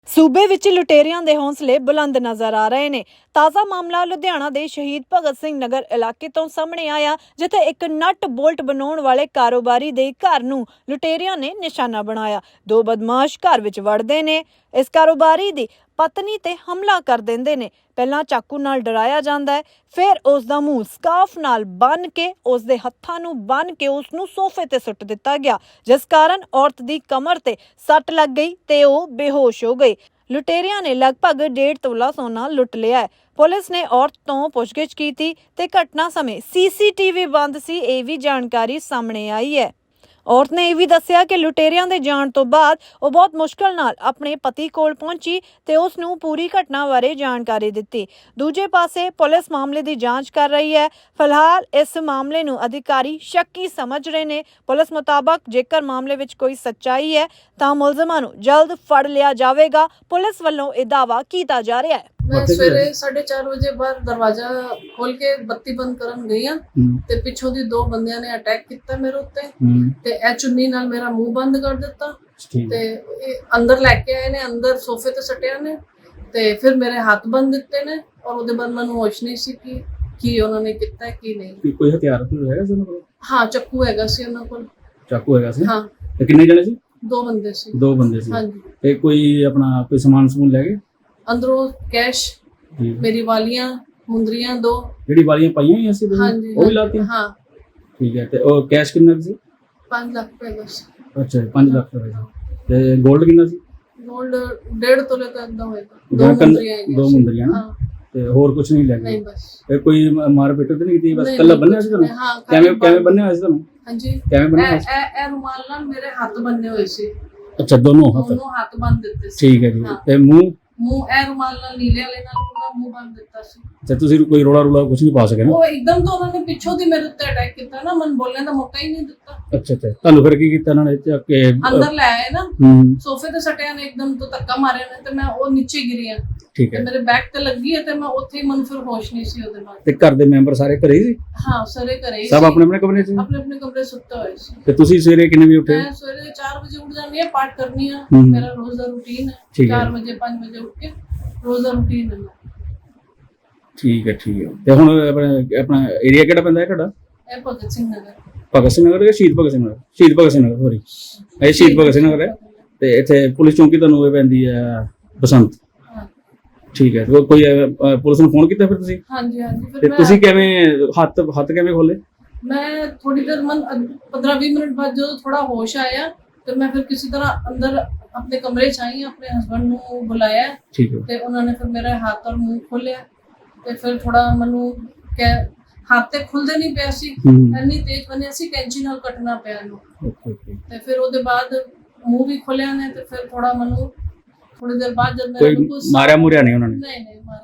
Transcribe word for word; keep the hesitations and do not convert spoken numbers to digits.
सूबे विच लुटेरियां दे हौसले बुलंद नजर आ रहे ने। ताज़ा मामला लुधियाना दे शहीद भगत सिंह नगर इलाके तो सामने आया, जिथे एक नट बोल्ट बनाउण वाले कारोबारी दे घर नूं लुटेरियां ने निशाना बनाया। दो बदमाश घर विच वड़दे ने, इस कारोबारी दी पत्नी ते हमला कर देंदे ने। पहला चाकू नाल डराया जांदा है, फिर उस दा मूंह स्काफ नाल बन के उस दे हत्थां नूं बन के उस नूं सोफे ते सुੱਟ दिता गया, जिस कारण औरत दी कमर ते सट लग गई ते ओह बेहोश हो गई। लुटेरियां ने लगभग डेढ़ तोला सोना लुट लिया है। पुलिस ने औरत तो पुछगिछ की थी ते घटना समय सीसीटीवी बंद सी, यह भी जानकारी सामने आई है। औरत ने यह भी दस्सिया कि लुटेरियां दे जाण तो बाद वो बहुत मुश्किल नाल अपने पति कोल पहुंची ते उस नूं पूरी घटना बारे जानकारी दित्ती। दूजे पासे पुलिस मामले की जांच कर रही है। फिलहाल इस मामले नूं अधिकारी शक्की समझ रहे ने। पुलिस मुताबक जेकर मामले विच कोई सच्चाई है तां मुलजमां नूं जल्द फड़ लिया जावेगा। पुलिस वल्लों यह दावा कीता जा रहा है। मैं सवेरे साढ़े चार बजे बाहर दरवाजा खोल के बत्ती बंद करन गई हां ते पिछों दी दो बंदियां ने अटैक किया मेरे उत्ते ते ए चुन्नी नाल मेरा मुंह बंद कर दिता ते अंदर लेके आए ने, अंदर सोफे ते सटिया ने ते फिर मेरे हाथ बंद दिते ने और ओदे बाद मैनूं होश नहीं सी कि की उन्होंने किया की नहीं। कोई हथियार तो हैगा सी उन्हां कोल? हां, चाकू हैगा सी उन्हां कोल। चाकू हैगा सी? हां। ते किन्ने जणे सी? दो बंदे सी। दो बंदे सी। हां जी। ते कोई अपना कोई सामान समून ले गए अंदरों? कैश, मेरी वालियां, मुंदरियां दो जेडी वालियां पाईयां ही सी हां जी, वो भी लाती? हां ठीक है। ते ओ कैश कितना सी? पाँच लाख रुपए बस। अच्छा, पाँच लाख रुपए ते गोल्ड कितना सी? गोल्ड डेढ़ तोले का अंदा होएगा। दो मुंदरियां दो मुंदरियां ना ते और कुछ नहीं ले गए? नहीं बस। ते कोई मार पिट तो नहीं की? बस कल्ला बन्ने सी तनु? हां। कैवे कैवे बन्ने हुए सी तनु? हां जी। कैवे बन्ने हुए? ए ए रुमाल नाल मेरे हाथ बन्ने हुए सी। अच्छा, दोनों हाथ? दोनों हाथ बांध दिते सी। ठीक है जी। ते मुंह मुंह ए रुमाल नाल नीले वाले नाल पूरा मुंह बांध दिता सी। अच्छा, ਤੁਸੀਂ ਕੋਈ ਰੋਲਾ ਰੋਲਾ ਕੁਝ ਨਹੀਂ ਪਾ ਸਕੇ ਨਾ? ਉਹ ਇੱਕਦਮ ਤੋਂ ਉਹਨਾਂ ਨੇ ਪਿੱਛੋਂ ਦੀ ਮੇਰੇ ਉੱਤੇ ਅਟੈਕ ਕੀਤਾ ਨਾ, ਮਨ ਬੋਲਣ ਦਾ ਮੌਕਾ ਹੀ ਨਹੀਂ ਦਿੱਤਾ। ਅੱਛਾ ਅੱਛਾ, ਤੁਹਾਨੂੰ ਫਿਰ ਕੀ ਕੀਤਾ ਇਹਨਾਂ ਨੇ? ਚੱਕ ਕੇ ਅੰਦਰ ਲੈ ਆਏ ਨਾ, ਹੂੰ, ਸੋਫੇ ਤੇ ਸਟਿਆ ਨੇ, ਇੱਕਦਮ ਤੋਂ ਧੱਕਾ ਮਾਰਿਆ ਨੇ ਤੇ ਮੈਂ ਉਹ ਨੀਚੇ ਗਿਰੀ ਆ। ਠੀਕ ਤੇ ਹੈ। ਮੇਰੇ ਬੈਕ ਤੇ ਲੱਗੀ ਹੈ ਤੇ ਮੈਂ ਉੱਥੇ ਹੀ ਮਨ ਫਿਰ ਹੋਸ਼ ਨਹੀਂ ਸੀ ਉਹਦੇ ਬਾਅਦ। ਤੇ ਘਰ ਦੇ ਮੈਂਬਰ ਸਾਰੇ ਘਰੇ ਹੀ ਸੀ? ਹਾਂ, ਸਾਰੇ ਘਰੇ ਹੀ ਸਭ ਸੀ। ਆਪਣੇ ਆਪਣੇ ਕਮਰੇ 'ਚ ਸੀ? ਆਪਣੇ ਆਪਣੇ ਕਮਰੇ ਸੁੱਤੇ ਹੋਏ ਸੀ। ਤੇ ਤੁਸੀਂ ਸਵੇਰੇ ਕਿੰਨੇ ਵਜੇ ਉੱਠੇ? ਮੈਂ ਸਵੇਰੇ ਚਾਰ ਵਜੇ ਉੱਠ ਜਾਂਦੀ ਆ, ਪਾਠ ਕਰਨੀ ਆ, ਹੂੰ। ਮੇਰਾ ਰੋਜ਼ ਦਾ ਰੂਟੀਨ ਹੈ। ਠੀਕ ਹੈ। ਚਾਰ ਵਜੇ ਪੰਜ ਵਜੇ ਉੱਠ ਕੇ ਰੋਜ਼ ਦਾ ਰੂਟੀਨ ਹੈ ਮੇਰਾ। ਠੀਕ ਹੈ ਠੀਕ ਹੈ। ਤੇ ਹੁਣ ਆਪਣਾ ਆਪਣਾ ਏਰੀਆ ਕਿਹੜਾ ਪੈਂਦਾ ਹੈ ਤੁਹਾਡਾ? ਇਹ ਭਗਤ ਸਿੰਘ ਨਗਰ। ਭਗਤ ਸਿੰਘ ਨਗਰ ਜਾਂ ਸ਼ਹੀਦ ਭਗਤ ਸਿੰਘ ਨਗਰ? ਸ਼ਹੀਦ ਭਗਤ ਸਿੰਘ ਨਗਰ, ਸੋਰੀ, ਇਹ ਸ਼ਹੀਦ ਭਗਤ ਸਿੰਘ ਨਗਰ ਹੈ। ਤੇ ਇੱਥੇ ਪੁਲਿਸ ਚੌਂਕੀ ਤੁਹਾਨੂੰ ਇਹ ਪੈਂਦੀ ਹੈ ਬਸੰਤ? ਹਾਂ। ਠੀਕ ਹੈ। ਤੇ ਕੋਈ ਅਹ, ਪੁਲਿਸ ਨੂੰ ਫੋਨ ਕੀਤਾ ਫਿਰ ਤੁਸੀਂ? ਹਾਂਜੀ ਹਾਂਜੀ। ਤੇ ਫਿਰ ਮੈਂ ਤੁਸੀਂ ਕਿਵੇਂ ਹੱਥ ਹੱਥ ਕਿਵੇਂ ਖੋਲੇ? ਮੈਂ ਥੋੜੀ ਦੇਰ ਮਨ पंद्रह बीस मिनट बाद जो थोड़ा होश आया तो मैं फिर किसी तरह अंदर अपने कमरे च आई, अपने हस्बैंड ਨੂੰ ਬੁਲਾਇਆ ਠੀਕ ਹੈ। ਤੇ ਉਹਨਾਂ ਨੇ ਫਿਰ ਮੇਰਾ ਹੱਥ ਔਰ ਮੂੰਹ ਖੋਲਿਆ ਤੇ ਫਿਰ ਥੋੜਾ ਮੈਨੂੰ ਕਿ ਹੱਥ ਤੇ ਖੁੱਲਦੇ ਨਹੀਂ ਪਿਆ ਸੀ, ਇੰਨੀ ਤੇਜ਼ ਬਣਿਆ ਸੀ, ਕੈਂਚੀ ਨਾਲ ਕੱਟਣਾ ਪਿਆ ਇਹਨੂੰ। Okay okay. ਤੇ ਫਿਰ ਉਹਦੇ ਬਾਅਦ ਮੂੰਹ ਵੀ ਖੋਲਿਆ ਨੇ ਤੇ ਫਿਰ ਥੋੜਾ ਮੈਨੂੰ ਥੋੜੀ ਦੇਰ ਬਾਅਦ ਜਦ ਮੇਰਾ ਕੋਈ ਮਾਰਿਆ ਮੁਰਿਆ ਨਹੀਂ ਉਹਨਾਂ ਨੇ? ਨਹੀਂ ਨਹੀਂ ਮਾਰਿਆ।